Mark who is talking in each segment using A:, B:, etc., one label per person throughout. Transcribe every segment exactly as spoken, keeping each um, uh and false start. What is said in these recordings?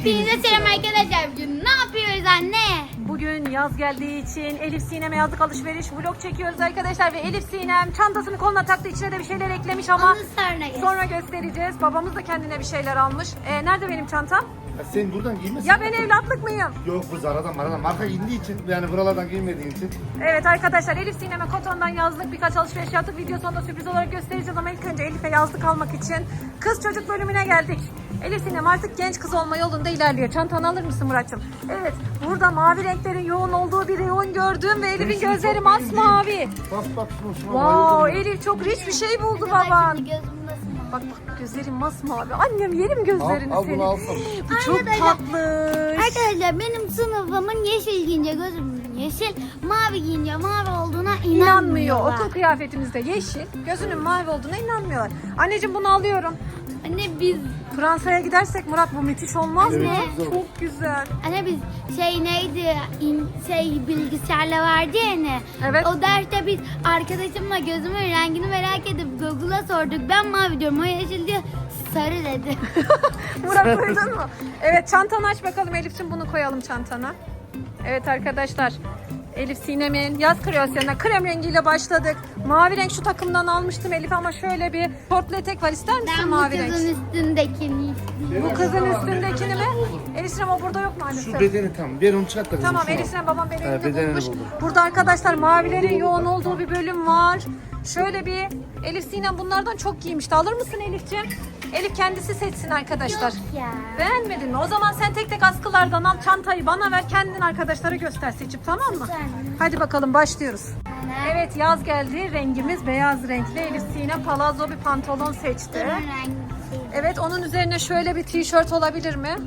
A: Hepinize selam arkadaşlar. Bugün ne yapıyoruz anne?
B: Bugün yaz geldiği için Elif Sinem'e yazlık alışveriş vlog çekiyoruz arkadaşlar ve Elif Sinem çantasını koluna taktı, içine de bir şeyler eklemiş ama
A: Onu sonra göster.
B: sonra göstereceğiz. Babamız da kendine bir şeyler almış. Ee, nerede benim çantam?
C: Ya sen buradan giymesin.
B: Ya ben evlatlık mıyım?
C: Yok, bu Zara'dan Mara'dan marka giydiği için, yani buralardan giymediğin için.
B: Evet arkadaşlar, Elif Sinem'e Koton'dan yazlık birkaç alışveriş yaptık. Video sonunda sürpriz olarak göstereceğiz ama ilk önce Elif'e yazlık almak için kız çocuk bölümüne geldik. Elif Sinem artık genç kız olma yolunda ilerliyor. Çantanı alır mısın Murat'cığım? Evet, burada mavi renklerin yoğun olduğu bir yoğun gördüm ve Elif'in gözleri masmavi.
C: Bak bak şuna şuna.
B: Wow,
C: bayıldım
B: Elif çok rich bir şey buldu
A: Bak
B: baban.
A: şimdi gözüm nasıl?
B: Bak bak gözlerim masmavi. Annem yerim
C: ya.
B: gözlerini
C: Al, al
B: senin.
C: bunu alsam.
B: Bu çok
A: Arkadaşlar-
B: tatlı.
A: Arkadaşlar benim sınıfımın yeşil giyince gözüm yeşil, mavi giyince mavi olduğuna
B: İnanmıyor.
A: inanmıyorlar.
B: Okul kıyafetimizde yeşil, gözünün mavi olduğuna inanmıyorlar. Anneciğim bunu alıyorum.
A: Anne biz
B: Fransa'ya gidersek Murat bu müthiş olmaz
C: Evet,
B: mı?
C: çok güzel olur.
B: Çok güzel.
A: Anne biz şey neydi in, şey bilgisayarla vardı ya hani.
B: Evet.
A: O derste biz arkadaşımla gözümün rengini merak edip Google'a sorduk. Ben mavi diyorum, o yeşil diyor, sarı dedi.
B: Murat duydun mu? Evet, çantanı aç bakalım Elif'ciğim, bunu koyalım çantana. Evet arkadaşlar, Elif Sinem'in yaz kreasyonuna krem rengiyle başladık. Mavi renk şu takımdan almıştım Elif ama şöyle bir portlet etek var, ister misin
A: Ben bu
B: mavi renk?
A: kızın üstündekini istiyorum.
B: Bu kızın üstündekini mi? Elif Sinem o burada yok maalesef.
C: Şu bedeni tam. Ver onu çıkart da kızım.
B: Tamam,
C: şuna.
B: Elif Sinem babam bedenini
C: Ha, bedenini
B: bulmuş.
C: buldum.
B: Burada arkadaşlar mavilerin yoğun olduğu bir bölüm var. Şöyle bir Elif Sinem bunlardan çok giymişti. Alır mısın Elif'ciğim? Elif kendisi seçsin arkadaşlar.
A: Yok ya.
B: Beğenmedin mi? O zaman sen tek tek askılardan al, çantayı bana ver, kendin arkadaşlara göster seçip, tamam mı?
A: Güzel.
B: Hadi bakalım başlıyoruz.
A: Anne.
B: Evet, yaz geldi. Rengimiz beyaz renkli. Elif Sinem palazzo bir pantolon seçti.
A: Bunun rengi.
B: Evet, onun üzerine şöyle bir tişört olabilir mi?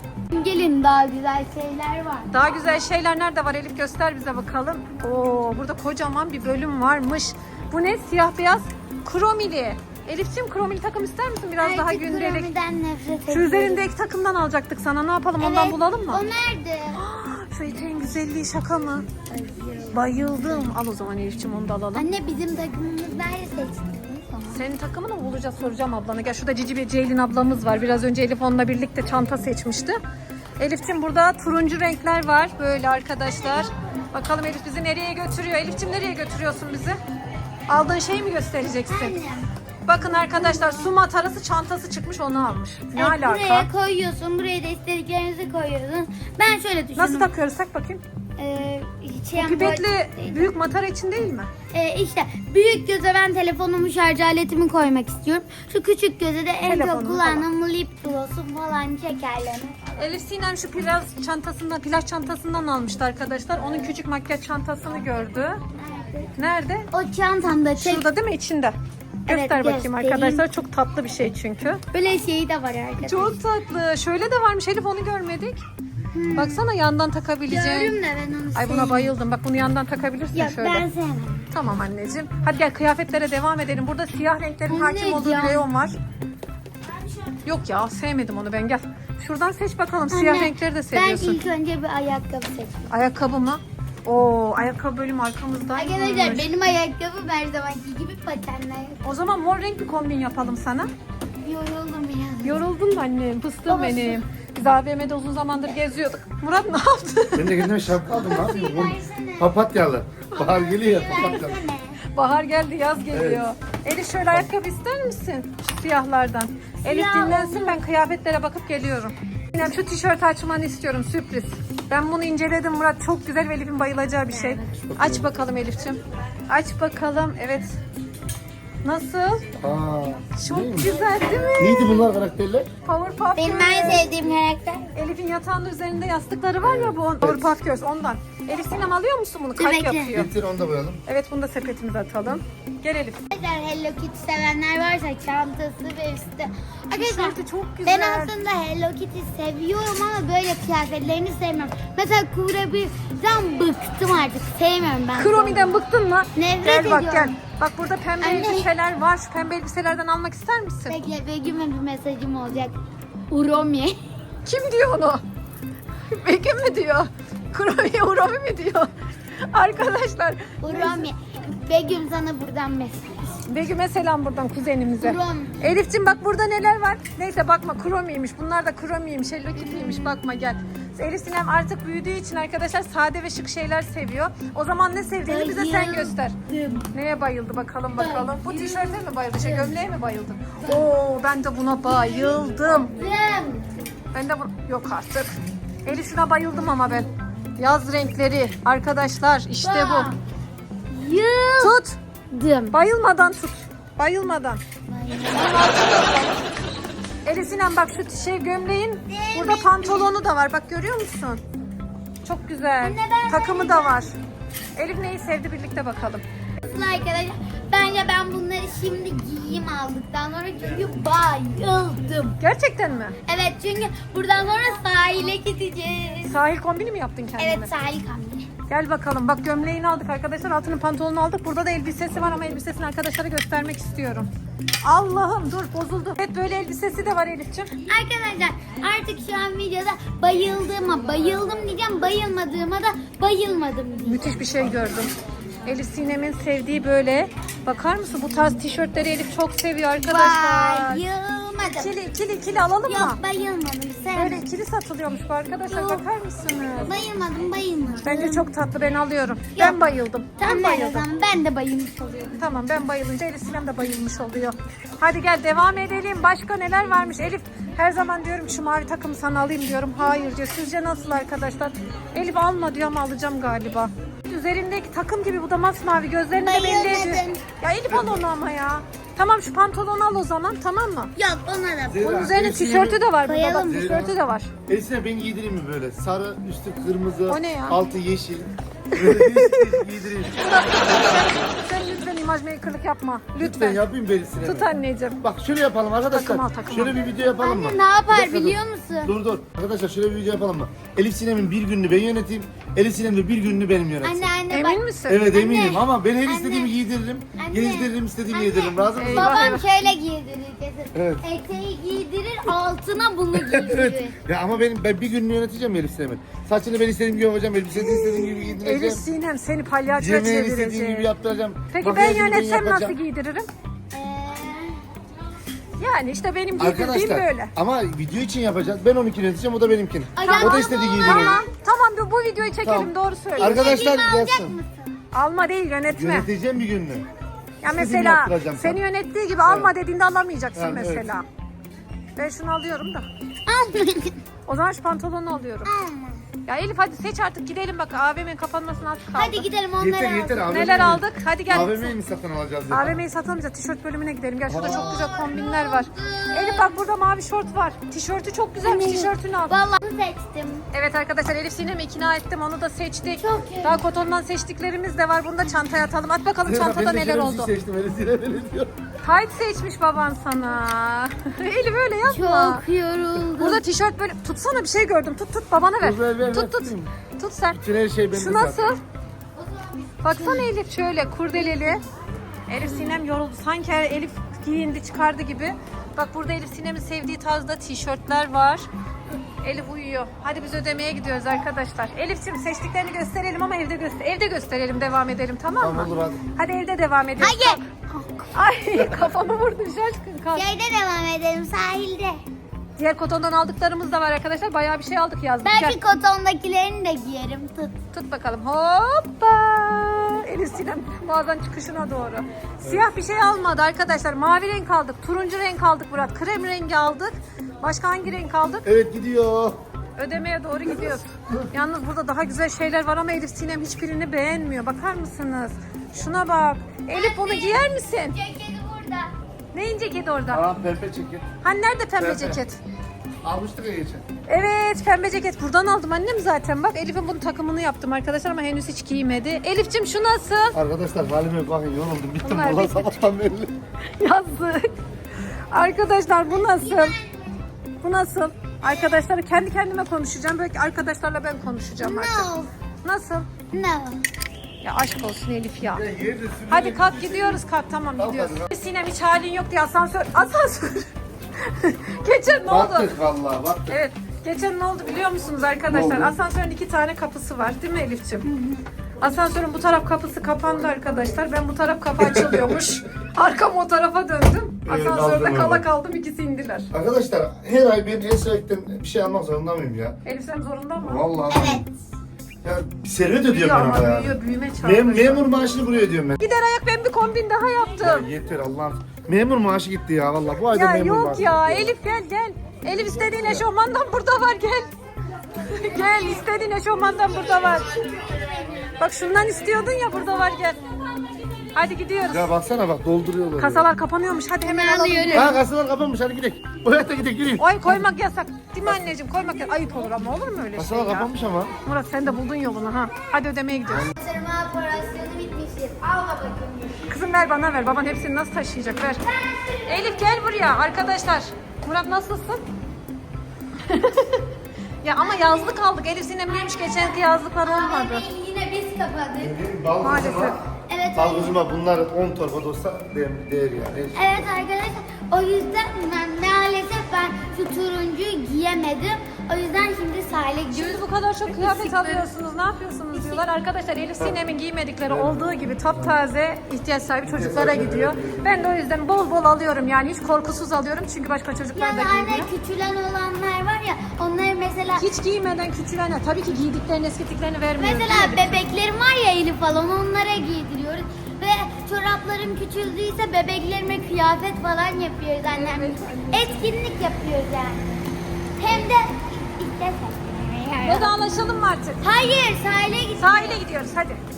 A: Gelin, daha güzel şeyler var.
B: Daha güzel şeyler nerede var Elif, göster bize bakalım. Oo, burada kocaman bir bölüm varmış. Bu ne? Siyah beyaz kromili. Elif'ciğim kromili takım ister misin? Biraz daha
A: Artık
B: gündelik.
A: kromiden nefret
B: Şu
A: ediyorum.
B: üzerindeki takımdan alacaktık sana. Ne yapalım, ondan
A: Evet,
B: bulalım mı?
A: O nerede?
B: Şu eteğin güzelliği şaka mı? Bayıldım. Al o zaman Elif'ciğim, onu da alalım.
A: Anne bizim takımımız nerede seçtiniz?
B: Senin takımını mı bulacağız, soracağım ablana. Gel, şurada Cici ve Ceylin ablamız var. Biraz önce Elif onunla birlikte çanta seçmişti. Elif'ciğim burada turuncu renkler var böyle arkadaşlar. Bakalım Elif bizi nereye götürüyor? Elif'ciğim nereye götürüyorsun bizi? Aldığın şeyi mi göstereceksin?
A: Annem.
B: Bakın arkadaşlar, su matarası çantası çıkmış, onu almış. Ne
A: Evet,
B: alaka?
A: buraya koyuyorsun, buraya da istediklerinizi koyuyorsun. Ben şöyle düşündüm.
B: Nasıl takıyoruz? Tak bakayım.
A: Ee, şey
B: Pipetli büyük matara için değil mi?
A: Ee, işte büyük göze ben telefonumu, şarj aletimi koymak istiyorum. Şu küçük göze de en
B: Telefonunu
A: çok kullandığım lip gloss'um falan, şekerleme.
B: Elif Sinem şu plaj çantasından, plaj çantasından almıştı arkadaşlar. Onun küçük makyaj çantasını gördü. Nerede?
A: O çantamda tek
B: Şurada değil mi, içinde?
A: Evet,
B: Göster bakayım
A: göstereyim.
B: arkadaşlar. Çok tatlı bir şey çünkü.
A: böyle şeyi de var arkadaşlar.
B: Çok tatlı. Şöyle de varmış Elif, onu görmedik. Baksana, yandan takabileceğin.
A: Gördüm de ben onu
B: Ay, buna
A: sevmiyorum.
B: bayıldım. Bak, bunu yandan takabilirsin
A: Ya
B: şöyle.
A: ben sevmem.
B: Tamam anneciğim. Hadi gel kıyafetlere devam edelim. Burada siyah renklerin
A: Bu
B: hakim
A: ne
B: olduğu
A: ya?
B: bir reyon var. Yok ya, sevmedim onu ben, gel. Şuradan seç bakalım. Siyah
A: Anne,
B: renkleri de
A: Ben
B: seviyorsun.
A: ilk önce bir ayakkabı seçtim.
B: Ayakkabı mı? Oo, ayakkabı bölümü arkamızdaymış.
A: Arkadaşlar benim ayakkabım her zamanki gibi patenler.
B: O zaman mor renk bir kombin yapalım sana.
A: Yoruldum ya.
B: Yoruldun mu annem? Fıstığım
A: Babası.
B: benim. Biz A V M'de uzun zamandır geziyorduk. Murat ne yaptı?
C: Ben de kendime şapka aldım. Ne yapayım? Bu
A: Versene.
C: Papatyalı. Bahar geliyor ya, papatyalı.
A: Versene.
B: Bahar geldi, yaz geliyor. Elif şöyle ayakkabı ister misin? Şu siyahlardan. Elif
A: Siyah
B: dinlensin, ben kıyafetlere bakıp geliyorum. Sinem, şu tişört açmanı istiyorum, sürpriz. Ben bunu inceledim Murat, çok güzel ve Elif'in bayılacağı bir şey. Aç bakalım Elif'ciğim. Aç bakalım, evet. Nasıl?
C: Aa,
B: Çok
C: neymiş?
B: güzel değil mi?
C: Neydi bunlar karakterler?
B: Powerpuff
A: Benim
B: Girls.
A: en sevdiğim karakter.
B: Elif'in yatağının üzerinde yastıkları var ya, bu Powerpuff Girls, ondan. Elif Sinem alıyor musun bunu? Kalp
A: bekle.
B: yapıyor.
C: Getir onu da koyalım.
B: Evet, bunu da sepetimize atalım. Gel Elif.
A: Arkadaşlar Hello Kitty sevenler varsa çantası ve üstü. Arkadaşlar
B: Tişörtü çok
A: ben
B: güzel.
A: aslında Hello Kitty seviyorum ama böyle kıyafetlerini sevmiyorum. Mesela Kurabi'den bıktım artık. Sevmiyorum ben.
B: Kromi'den bıktın mı?
A: Nefret
B: Gel bak,
A: ediyorum.
B: gel. Bak burada pembe
A: Anne.
B: elbiseler var. Şu pembe elbiselerden almak ister misin?
A: Bekle, Begüm'e bir mesajım olacak. Uromi.
B: Kim diyor onu? Begüm mü diyor? Kromi, Uromi mi diyor? Arkadaşlar.
A: Uromi. Begüm sana buradan mesaj.
B: Begüm'e selam buradan kuzenimize.
A: Krom.
B: Elif'cim bak burada neler var. Neyse bakma kromiymiş. Bunlar da kromiymiş. Hello Kitty'ymiş. Bakma gel. Elif Sinem artık büyüdüğü için arkadaşlar sade ve şık şeyler seviyor. O zaman ne sevdiğini bize sen göster.
A: Bayıldım.
B: Neye bayıldı bakalım bakalım. Bu tişörte mi bayıldı? Şey gömleğe mi bayıldın? Oo ben de buna bayıldım.
A: Bayıldım.
B: Ben de bu... Yok artık. Elif şuna bayıldım ama ben. Yaz renkleri arkadaşlar işte bu. Tut.
A: Bayıldım.
B: Bayılmadan tut. Bayılmadan. Elif Sinem bak şu şey gömleğin burada pantolonu da var. Bak görüyor musun? Çok güzel.
A: Anne, ben
B: Takımı da var. Elif neyi sevdi birlikte bakalım.
A: Arkadaşlar bence ben bunları şimdi giyeyim aldıktan sonra çünkü bayıldım.
B: Gerçekten mi?
A: Evet çünkü buradan sonra sahile gideceğiz.
B: Sahil kombini mi yaptın kendine?
A: Evet sahil kambi.
B: Gel bakalım. Bak gömleğini aldık arkadaşlar. Altının pantolonunu aldık. Burada da elbisesi var ama elbisesini arkadaşlara göstermek istiyorum. Allah'ım dur bozuldu. Evet böyle elbisesi de var Elif'ciğim.
A: Arkadaşlar artık şu an videoda bayıldığıma bayıldım diyeceğim, bayılmadığıma da bayılmadım diyeceğim.
B: Müthiş bir şey gördüm. Elif Sinem'in sevdiği böyle. Bakar mısın bu tarz tişörtleri Elif çok seviyor arkadaşlar.
A: Bayılmadım.
B: İkili ikili ikili alalım mı?
A: Yok bayılmadım.
B: Böyle
A: Sevmedim.
B: ikili satılıyormuş bu arkadaşlar.
A: Yok.
B: Bakar mısınız?
A: Bayılmadım bayılmadım.
B: Bence çok tatlı ben alıyorum. Ben bayıldım.
A: Tamam
B: Ben
A: ben o
B: bayıldım.
A: zaman ben de bayılmış oluyorum.
B: Tamam ben bayılınca Elif Sinem de bayılmış oluyor. Hadi gel devam edelim. Başka neler varmış Elif? Her zaman diyorum şu mavi takımı sana alayım diyorum. Hayır diyor. Sizce nasıl arkadaşlar? Elif alma diyor ama alacağım galiba. Üzerindeki takım gibi bu da masmavi. Gözlerini de belli ediyor.
A: Bayılmadım.
B: Ya Elif al onu ama ya. Tamam şu pantolonu al o zaman tamam mı?
A: Yok ona da.
C: Zehra,
B: Onun üzerine
C: Elif Sinem'in-
B: tişörtü de var burada bak.
A: Bayalım.
B: Tişörtü de var.
C: Elif Sinem ben giydireyim mi böyle? Sarı, üstü kırmızı,
B: O ne ya?
C: altı yeşil. Böyle değişik değişik giydireyim.
B: Sen lütfen imaj makerlık yapma.
C: Lütfen
B: Lütfen.
C: yapayım ben Sinem'e.
B: Tut anneciğim.
C: Bak şöyle yapalım arkadaşlar.
B: Takım al, takım
C: şöyle
B: al.
C: bir video yapalım mı?
A: Anne ne yapar
C: Bir dakika,
A: biliyor
C: dur.
A: musun?
C: Dur dur. Arkadaşlar şöyle bir video yapalım mı? Elif Sinem'in bir gününü ben yöneteyim. Elif Sinem de bir gününü benim yönetsin.
A: Anne anne
B: Emin
A: bak.
B: misin?
C: Evet
A: Anne.
C: eminim ama ben her
A: Anne.
C: istediğimi giydiririm.
A: Anne.
C: Gezdiririm istediğimi
A: Anne.
C: yediririm. Razı mısın?
B: Eyvah,
A: Babam
B: eyvah.
A: şöyle giydirir kesin.
C: Evet.
A: Eteği giydirir altına bunu giydirir.
C: Evet. Ya ama benim ben bir gününü yöneteceğim Elif Sinem'in. Saçını ben istediğim gibi yapacağım. Elbiseni istediğim gibi giydireceğim.
B: Elif Sinem seni palyaçoya
C: Yemeğini istediğim gibi
B: çevirecek.
C: yaptıracağım.
B: Peki ben
C: Makyajını
B: yönetsem nasıl
C: yapacağım.
B: giydiririm?
A: Ee,
B: Yani işte benim giydirdiğim
C: Arkadaşlar
B: böyle.
C: ama video için yapacağız. Ben onunkini yöneteceğim, o da benimkini.
A: Ay,
C: O da
A: tamam.
C: istediği gibi
B: Tamam,
C: yönetecek.
B: tamam bu, bu videoyu çekelim
C: Tamam.
B: doğru söyle.
C: Arkadaşlar
A: Elimi alacak
C: yazsın.
A: mısın?
B: Alma değil yönetme.
C: Yöneteceğim bir gününü.
B: Ya
C: İstediğimi
B: mesela
C: yaptıracağım
B: seni
C: sana.
B: yönettiği gibi alma dediğinde alamayacaksın
C: Yani evet.
B: mesela. Ben şunu alıyorum da.
A: Alma.
B: O zaman şu pantolonu alıyorum.
A: Alma.
B: Ya Elif hadi seç artık gidelim bak A V M'nin kapanmasına az kaldı.
A: Hadi gidelim onları
C: Yeter yeter
A: alalım.
C: abi.
B: Neler aldık? Hadi gel.
C: A V M'yi mi satın alacağız ya?
B: A V M'yi satamayacağız. Tişört bölümüne gidelim. Gel şurada çok güzel kombinler var. Elif bak burada mavi şort var. Tişörtü çok güzelmiş. Tişörtünü al.
A: Vallahi seçtim.
B: Evet arkadaşlar Elif Sinem'i ikna ettim. Onu da seçtik.
A: Çok iyi.
B: Daha kotondan seçtiklerimiz de var. Bunu da çantaya atalım. At bakalım
C: Ya,
B: çantada
C: ben de
B: neler
C: şöyle bir
B: oldu.
C: şey seçtim, Elif Sinem öyle diyor.
B: Tight seçmiş baban sana. Elif öyle yapma.
A: Çok yoruldum.
B: Burada tişört böyle tutsana bir şey gördüm. Tut tut babana ver.
C: Dur, ver, ver,
B: tut
C: ver,
B: tut.
C: tutayım.
B: Tut sen.
C: Bütün her şey bende
B: Şu
C: zaten.
B: nasıl? Baksana Elif şöyle kurdeleli. Elif Sinem yoruldu. Sanki her Elif giyindi çıkardı gibi. Bak burada Elif Sinem'in sevdiği tarzda tişörtler var. Elif uyuyor. Hadi biz ödemeye gidiyoruz arkadaşlar. Elif'ciğim seçtiklerini gösterelim ama evde göster evde gösterelim devam edelim tamam mı?
C: Tamam olur hadi.
B: Hadi evde devam edelim.
A: Hayır.
B: Ay kafamı vurdun şaşkın kalk.
A: Şeyde devam edelim sahilde.
B: Diğer kotondan aldıklarımız da var arkadaşlar. Bayağı bir şey aldık yazdık.
A: Belki
B: Gel.
A: kotondakilerini de giyerim. Tut.
B: Tut bakalım. Hoppa. Elif Sinem mağazanın çıkışına doğru. Siyah bir şey almadı arkadaşlar. Mavi renk aldık. Turuncu renk aldık Murat. Krem rengi aldık. Başka hangi renk aldık?
C: Evet gidiyor.
B: Ödemeye doğru gidiyoruz. Yalnız burada daha güzel şeyler var ama Elif Sinem hiçbirini beğenmiyor. Bakar mısınız? Şuna bak. Elif bunu giyer misin?
A: Ceketi burada.
B: Neyin ceketi orada?
C: Aa pembe ceket.
B: Hani nerede pembe
C: Pembe.
B: ceket?
C: Almıştık ya geçen.
B: Evet pembe ceket buradan aldım annem zaten bak Elif'in bunun takımını yaptım arkadaşlar ama henüz hiç giymedi. Elif'cim şu nasıl?
C: Arkadaşlar halime bakın yoruldum. Bittim
B: Bunlar
C: valla
B: bitti.
C: sabahtan beri.
B: Yazık. Arkadaşlar bu nasıl? Bu nasıl? Arkadaşlar kendi kendime konuşacağım. Belki arkadaşlarla ben konuşacağım artık.
A: No.
B: Nasıl?
A: No.
B: Ya aşk olsun Elif ya.
C: Ya yerde sürüyor.
B: Hadi kalk gidiyoruz kalk tamam
C: Kalk
B: gidiyoruz.
C: hadi.
B: Sinem hiç halin yok diye asansör. Asansör. Geçen ne oldu?
C: Baktık valla baktık.
B: Evet. Geçen ne oldu biliyor musunuz arkadaşlar?
C: Ne oldu?
B: Asansörün iki tane kapısı var değil mi Elif'ciğim? Asansörün bu taraf kapısı kapandı arkadaşlar. Ben bu taraf kapı açılıyormuş. Arkam o tarafa döndüm.
C: Evet,
B: Asansörde
C: aldım
B: kala
C: öyle.
B: kaldım, ikisi indiler.
C: Arkadaşlar her ay ben Esra'dan bir şey almak zorunda mıyım ya?
B: Elif sen zorunda mı?
C: Vallahi.
A: Evet.
C: Ya bir servet
B: Büyüyor
C: ödüyorum ben
B: ama
C: ama ya.
B: büyüyor, büyüme çağ.
C: Mem memur maaşını buraya ödüyorum ben.
B: Gider ayak ben bir kombin daha
C: Ya
B: yaptım.
C: yeter Allah'ım. Memur maaşı gitti ya vallahi. Bu ayda
B: Ya
C: memur
B: yok
C: maaşı
B: ya
C: gitti
B: Elif gel gel. Elif istediğin eşofmandan burada var gel. Gel istediğin eşofmandan burada var. Bak şundan istiyordun ya burada var gel. Hadi gidiyoruz.
C: Ya baksana bak dolduruyorlar.
B: Kasalar kapanıyormuş hadi hemen
A: Ben
B: alalım.
A: alıyorum.
C: Ha kasalar kapanmış hadi gidelim. Bu hayatta gidelim gidelim.
B: Oy koymak yasak. Değil mi anneciğim? Koymak yasak. Ayıp olur ama olur mu öyle şey
C: Kasalar
B: ya?
C: kapanmış ama.
B: Murat sen de buldun yolunu ha. Hadi ödemeye gidiyoruz.
A: Sırma operasyonu bitmiştir. Al babacığım.
B: Kızım ver bana ver. Baban hepsini nasıl taşıyacak ver. Elif gel buraya arkadaşlar. Murat nasılsın? Ya ama yazlık aldık. Elif Sinem neymiş geçenki yazlıklar olmadı.
A: Abi yine biz kapadık.
C: Bal
B: Maalesef.
C: kızıma,
A: Evet.
C: bal kızıma bunlar on torba da olsa değer, değer yani.
A: Evet arkadaşlar o yüzden ben maalesef ben şu turuncuyu giyemedim. O yüzden şimdi sahile gidiyoruz.
B: Şimdi bu kadar çok kıyafet alıyorsunuz. Ne yapıyorsunuz diyorlar. Arkadaşlar Elif Sinem'in giymedikleri olduğu gibi taptaze ihtiyaç sahibi çocuklara gidiyor. Ben de o yüzden bol bol alıyorum. Yani hiç korkusuz alıyorum. Çünkü başka çocuklar da
A: Yani anne
B: giymiyor.
A: küçülen olanlar var ya onları mesela
B: Hiç giymeden küçülene tabii ki giydiklerini eskittiklerini vermiyoruz.
A: mesela
B: değil mi?
A: bebeklerim var ya Elif falan onlara giydiriyoruz. Ve çoraplarım küçüldüyse bebeklerime kıyafet falan yapıyoruz annem. Etkinlik yapıyoruz yani. Hem de işte
B: Vedalaşalım mı artık?
A: hayır sahile gidiyoruz.
B: Sahile gidiyoruz hadi.